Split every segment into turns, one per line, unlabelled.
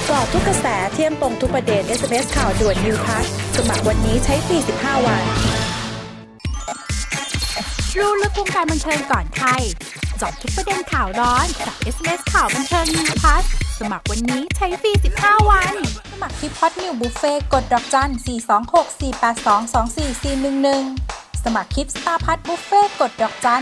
กาะทุกกระแสเที่ยมตรงทุกประเด็น SMS ข่าวด่วน New Plus สมัครวันนี้ใช้ฟรี15 วัน
รู้ลึกวงการบันเทิงก่อนใครเจาะทุกประเด็นข่าวร้อนกับ SMS ข่าวบันเทิง New Plus สมัครวันนี้ใช้ฟรี15 วันสมัครที่พอดนิวบุฟเฟ่กดดอกจัน 426-482-24411 สมัครคลิปสตาร์พัทบุฟเฟ่กดดอกจัน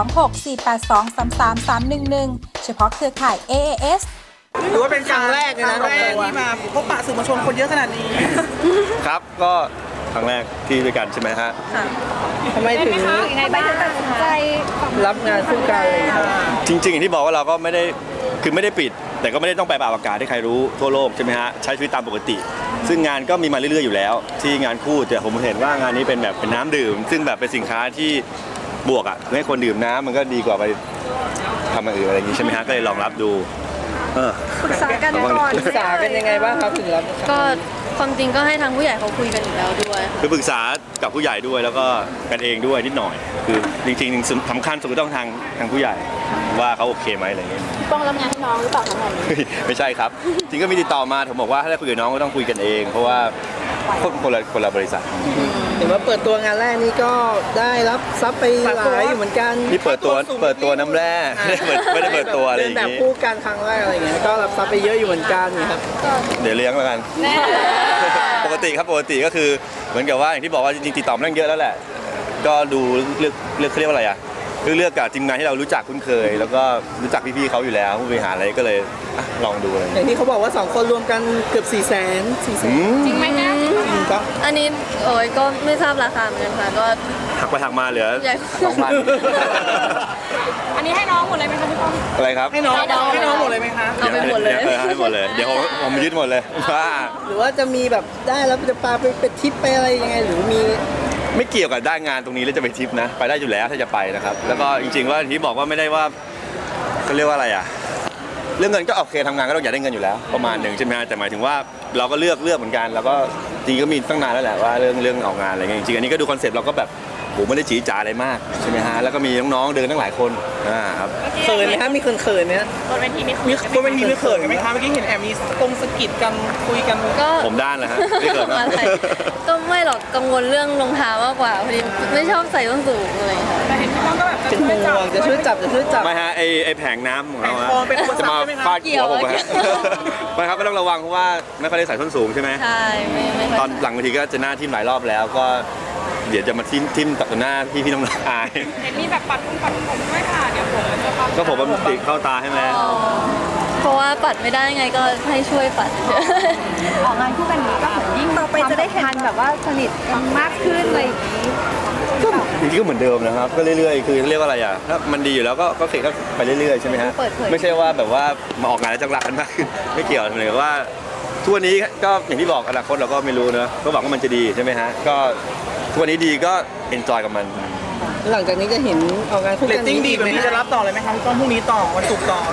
426-482-3331 เฉพาะเครือข่าย AAS
ถือว่าเป็นครั้งแรกเลยนะที่มาพบปะสื่อมวลชนคนเยอะขนาดนี้
ครับก็ครั้งแรกที่ด้วยกันใช่ไหมฮะ
ทำไมถึง
ยังไงบ้างตัดสินใจ
รับงานคู่กันเลยครับ
จริงๆอย่างที่บอกว่าเราก็ไม่ได้คือไม่ได้ปิดแต่ก็ไม่ได้ต้องไปอากาศให้ใครรู้ทั่วโลกใช่ไหมฮะใช้ชีวิตตามปกติซึ่งงานก็มีมาเรื่อยๆอยู่แล้วที่งานคู่แต่ผมเห็นว่างานนี้เป็นแบบเป็นน้ำดื่มซึ่งแบบเป็นสินค้าที่บวกอ่ะให้คนดื่มน้ำมันก็ดีกว่าไปทำอะไรอย่างนี้ใช่ไหมฮะก็เลยลองรับดู
ปรึกษากันก่อน
ปรึกษากันยังไงบ้างครับถึงรับ
ก็ความจริงก็ให้ทางผู้ใหญ่เขาคุยกันอยู่แล้วด้วย
คือปรึกษากับผู้ใหญ่ด้วยแล้วก็กันเองด้วยนิดหน่อยคือจริงๆสำคัญสุดก็ต้องทางผู้ใหญ่ว่าเขาโอเคไหมอะไรเงี้ย
ป้องรับงานให้น้องหรือเปล่าทั้งหมดนี้
ไม่ใช่ครับจริงก็มีติดต่อมาผมบอกว่าถ้าได้คุยกับน้องก็ต้องคุยกันเองเพราะว่าคนละบริษัท
เห็นว่าเปิดตัวงานแรกนี้ก็ได้รับซับไปหลายอยู่เหมือนกัน
นี่เปิดตัวน้ำแร่ไม่ได้เปิดตัวอะไรอย่างงี้
แบบคู่กันครั้งแรกอะไรเงี้ยก็รับซับไปเยอะอยู่เหมือนกันครับ
เดี๋ยวเลี้ยงแล้วกันปกติครับปกติก็คือเหมือนกับว่าอย่างที่บอกว่าจริงๆติดต่อมาตั้งเยอะแล้วแหละก็ดูเลือกเขาเรียกว่าอะไรอ่ะเลือกกับทีมงานที่เรารู้จักคุ้นเคยแล้วก็รู้จักพี่ๆเขาอยู่แล้วผู้บริหารอะไรก็เลยลองดูอะไร
อย่างที่เขาบอกว่า2คนรวมกันเกือบ400,000
จริงไหมนะอันนี้ก็ไม่ทราบราคาเหมือนกันค่ะก็
หักไปหักมาเหลือ 2,000
อันนี้ให้น้องหมดเลยไหมคะพี่ป้อง
อะไรครับ
ให้น้องหมดเลยไหมคะ
เอาไปหมดเลย
ให้หมดเลยเดี๋ยวผมยึดหมดเลย
หรือว่าจะมีแบบได้แล้วจะพาไปทริปไปอะไรยังไงหรือมี
ไม่เกี่ยวกับได้งานตรงนี้แล้วจะไปทริปนะไปได้อยู่แล้วถ้าจะไปนะครับแล้วก็จริงๆว่าที่บอกว่าไม่ได้ว่าเขาเรียกว่าอะไรอ่ะเรื่องเงินก็โอเคทำงานก็ต้องอยากได้เงินอยู่แล้วประมาณหนึ่งใช่ไหมแต่หมายถึงว่าเราก็เลือกเหมือนกันแล้วก็จริงก็มีตั้งนานแล้วแหละว่าเรื่องออกงานอะไรเงี้ยจริงๆอันนี้ก็ดูคอนเซ็ปต์เราก็แบบผมไม่ได้จี๋จ๋าอะไรมากใช่ไหมฮะแล้วก็มีน้องๆเดินตั้งหลายคนครับ
เขินไหมฮะมีเขินไหมฮะ
บนเวทีมี
ไม่เขินกันไหมคะเมื่อกี้เห็นแอบมีสกิดกันคุยกัน
ก็
ผมด้านเลยฮะไม่เขิน
ก็ไม่หรอกกังวลเรื่องรองเท้ามากกว่าพอดีไม่ชอบใส่ส้นสูงเลยค่ะ
แต่เห็นพี่ป้องก็แบบ
เป็นห่วงจะช่วยจับ
ไม่ฮะไอแผงน้ำของเราจะมาฟาดหัวผมฮะไม่ครับก็ต้องระวังเพราะว่าไม่ค่อยได้ใส่ส้นสูงใช่ไหม
ใช่ไม่
ตอนหลังบางทีก็จะหน้าทิ่มหลายรอบแล้วก็เดี๋ยวจะมาทิ่มต่อหน้าพี่น้องๆอาย
เห็นมีแบบปัดผมด้วยค่ะเดี๋ยวผม
ก็ผมมันติดเข้าตาให้ไหม
เพราะว่าปัดไม่ได้ไงก็ให้ช่วยปัด
ออกงานคู่กันนี้ก็ยิ่งต่อไปจะได้เห็นแบบว่าสนิทกันมากขึ้นอะไรอย่างนี้
ก็จริงๆก็เหมือนเดิมนะครับก็เรื่อยๆคือเรียกว่าอะไรอ่ะถ้ามันดีอยู่แล้วก็เสร็จก็ไปเรื่อยๆใช่ไหมฮะไม่ใช่ว่าแบบว่ามาออกงานแล้วจังหวะกันมากขึ้นไม่เกี่ยวเลยว่าทุกวันนี้ก็อย่างที่บอกอนาคตเราก็ไม่รู้นะก็หวังว่ามันจะดีใช่ไหมฮะก็ทุกวันนี้ดีก็เอนจอยกับมัน
หลังจากนี้จะเห็นออกงานคู่กันดีแบบนี้จะรับต่อเลยไหมครับต้องพรุ่งนี้ต่อวันศุกร์ต่อ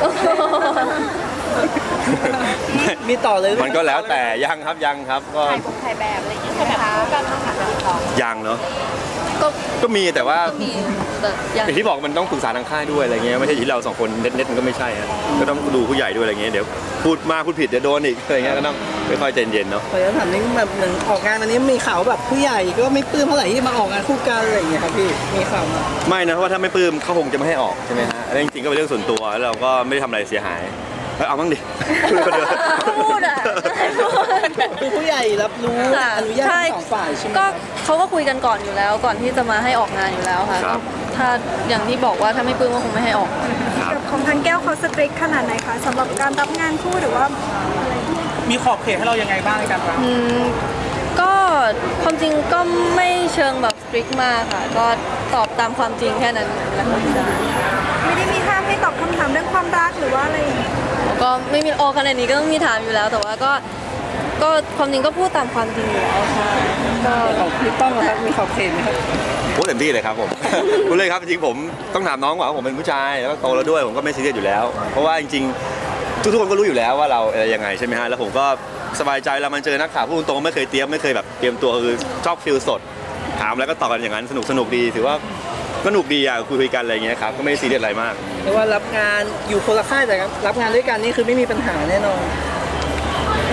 มีต่อเลย
มันก็แล้วแต่ยังครับก็
ถ่ายแบบอะไรอย่างเงี้ยแบบคู่กันต้องหาต่อ
ยังเนาะก็มีแต่ว่าอย่างที่บอกมันต้องปรึกษาทางค่ายด้วยอะไรเงี้ยไม่ใช่ที่เรา2คนเน็ตมันก็ไม่ใช่ฮะก็ต้องดูผู้ใหญ่ด้วยอะไรเงี้ยเดี๋ยวพูดมากพูดผิดเดี๋ยวโดนอีกอะไรเงี้ยก็ต้องค่อยๆใจเย็นเนาะ
ขอถามนิดแบบเหมือนออกงานวันนี้มีข่าวแบบผู้ใหญ่ก็ไม่ปลื้มเท่าไหร่ที่มาออกงานคู่กันอะไรอย่างเงี้ยครับพี่มีข่าวมา
ไม่นะเพราะว่าถ้าไม่ปลื้มเขาคงจะไม่ให้ออกใช่ไหมฮะอันนี้จริงๆก็เป็นเรื่องส่วนตัวแล้วเราก็ไม่ได้ทำอะไรเสียหายเอาบ้างดิ
พูดอ่ะ
คือผู้ใหญ่รับรู้อนุญาตทั้ง2ฝ่ายใช่ไหม
ก็เขาก็คุยกันก่อนอยู่แล้วก่อนที่จะมาให้ออกงานอยู่แล้วค่ะถ้าอย่างที่บอกว่าถ้าไม่ปลื้มก็คงไม่ให้ออก
ของทางแก้วเขาสตริกขนาดไหนคะสำหรับการรับงานคู่หรือว่า
มีขอบเขตให้เรายังไงบ้างกันครับ
ก็ความจริงก็ไม่เชิงแบบสตริกมากค่ะก็ตอบตามความจริงแค่นั้นแหละ
ไม่ได้มีห้ามให้ตอบคำถามเรื่องความรักหรือว่าอะไร
ก็ไม่มีขนาดนี้ก็ต้องมีถามอยู่แล้วแต่ว่าก็ความจริงก็พูดตามความจริงอยู่แล้วค่ะ
ก็ของพี่ป้องครับมีขอบเขตไหมครับ
พูดเต็มที่เลยครับผมพูดเลยครับจริงผมต้องถามน้องว่าผมเป็นผู้ชายแล้วก็โตแล้วด้วยผมก็ไม่ซีเรียสอยู่แล้วเพราะว่าจริงๆทุกคนก็รู้อยู่แล้วว่าเราอะไรยังไงใช่ไหมฮะแล้วผมก็สบายใจเรามันเจอนักข่าวพูดตรงไม่เคยเตรียมไม่เคยแบบเตรียมตัวคือชอบฟิลสดถามแล้วก็ตอบกันอย่างนั้นสนุกดีถือว่าก็หนุกดีอ่ะคุยกันอะไรเงี้ยครับก็ไม่ซีเรียสอะไรมาก
เรียกว่ารับงานอยู่คนละค่ายแต่รับงานด้วยกันนี่คือไม่มีปัญหาแน่นอน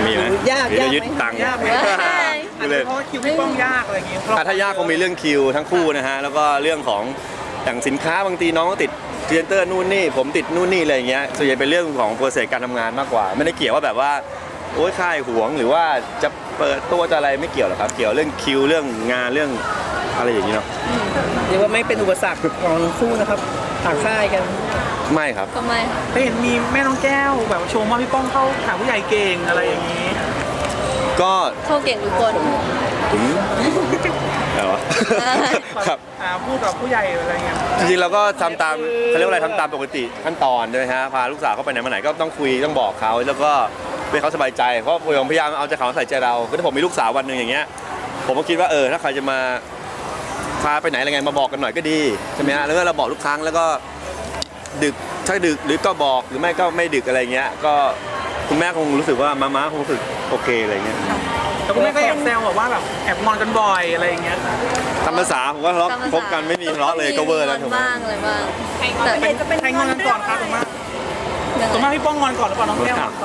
าก
เดี๋ยวจะ
ยาก
ยึด
ไหม
ตังค์
ยากไหม
พูดเล่น
เพราะว่าคิวพี่ป้องยากอะไรอย่างเงี้ย
ถ้ายากคงมีเรื่องคิวทั้งคู่นะฮะแล้วก็เรื่องของอย่างสินค้าบางทีน้องก็ติดพรีเซนเตอร์นู่นนี่ผมติดนู่นนี่อะไรอย่างเงี้ยส่วนใหญ่เป็นเรื่องของโปรเซสการทำงานมากกว่า ไม่ได้เกี่ยวว่าแบบว่าโอ้ยค่ายหวงหรือว่าจะเปิดตัวจะอะไรไม่เกี่ยวหรอกครับเกี่ยวเรื่องคิวเรื่องงานเรื่องอะไรอย่างนี้เนาะ
เรียกว่าไม่เป็นอุปสรรคของทั้งคู่นะครับต่างค่ายกัน
ไม่ครับ
ก็ไม่ค่ะ
ไปเห็นมีแม่น้องแก้วแบบชมว่าพี่ป้องเข้าหาผู้ใหญ่เก่งอะไรอย่างงี้
ก็
เข้าเก่งทุกคน
ถึงอะไรวะครับ
พูดกับผู้ใหญ่อะไรเงี้ย
จริงๆเราก็ทำตามเขาเรียกว่าอะไรทำตามปกติขั้นตอนใช่ไหมฮะพาลูกสาวเข้าไปไหนมาไหนก็ต้องคุยต้องบอกเขาแล้วก็ให้เขาสบายใจเพราะผมพยายามเอาใจเขาใส่ใจเราคือถ้าผมมีลูกสาววันหนึ่งอย่างเงี้ยผมก็คิดว่าถ้าใครจะมาพาไปไหนอะไรไงมาบอกกันหน่อยก็ดีใช่ไหมฮะแล้วก็เราบอกทุกครั้งแล้วก็ดึกถ้าดึกหรือก็บอกหรือไม่ก็ไม่ดึกอะไรเงี้ยก็คุณแม่คงรู้สึกว่าม้าคงรู้สึกโอเคอะไรเงี้ย
แต่คุณแม่ก็แอบแซวแบบว่าแบบแอบงอนกันบ่อยอะไรอย่างเงี้ย
ตามภาษาผมว่าทะเลาะคบกันไม่มีทะเลาะเลยก็เวอร์แล้วถูกไหม
บ้างอะไรบ้าง
แต่เห็นจะเป็น
ใครงอนกันก่อนครับส่วนมากพี่ป้องงอนก่อนหรือเปล่าน้องแก้วก่อน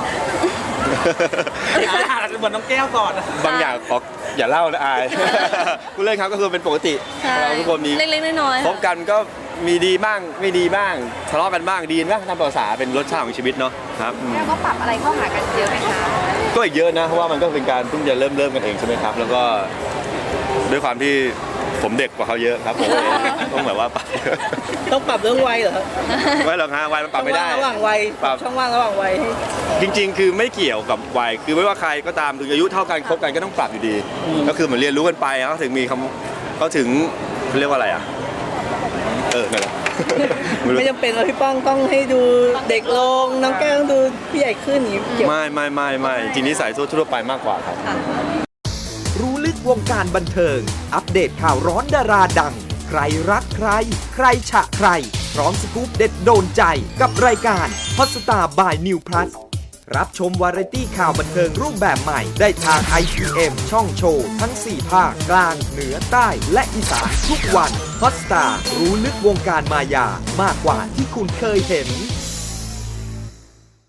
อาจจะเหมือนน้องแก้วก่อน
บางอย่างขออย่าเล่านะอายผู้เล่นครับก็คือเป็นปกติ
ใช่
เราทุกคนมี
เล็กๆน้อยๆ
พบกันก็มีดีบ้างไม่ดีบ้างทะเลาะกันบ้างดีบ้างตามภาษาเป็นรสชาติของชีวิตเนาะครับอืม
แล้วก็ปรับอะไรเข้าหากันเยอะไหมคะ
ก็อีกเยอะนะเพราะว่ามันก็เป็นการเพิ่งจะเริ่มกันเองใช่ไหมครับ แล้วก็ด้วยความที่ผมเด็กกว่าเขาเยอะครับผมเลยต้องแบบว่าปรับ
ต้องปรับเรื่องวัยเหรอครับ
ไม่หรอกฮะวัยมันปรับไม่ได้
ช่องว่างระหว่างวัย
ปรับ
ช่องว่างระหว่างวัยให้
จริงๆ คือไม่เกี่ยวกับวัย คือไม่ว่าใครก็ตามถึงอายุเท่ากันคบกันก็ต้องปรับอยู่ดี ก็คือเหมือนเรียนรู้กันไปเขาถึงมีคำเขาถึงเรียกว่าอะไรอ่ะ นั่นแหละ
ไม่จำเป็นว่าพี่ป้องต้องให้ดูเด็กลงน้องแก้วต้องดูพี่ใหญ่ขึ้นอย่างนี้เกี่ยว
ไม่จริงๆนิสัยทั่วไปมากกว่าครับ
รู้ลึกวงการบันเทิง อัปเดตข่าวร้อนดาราดัง ใครรักใคร ใครฉะใคร พร้อมสกู๊ปเด็ดโดนใจกับรายการฮอตสตาร์บายนิวพลัสรับชมวาไรตี้ข่าวบันเทิงรูปแบบใหม่ได้ทาง IPM ช่องโชว์ทั้ง 4 ภาคกลาง เหนือใต้และอีสานทุกวันฮอตสตาร์รู้ลึกวงการมายามากกว่าที่คุณเคยเห็น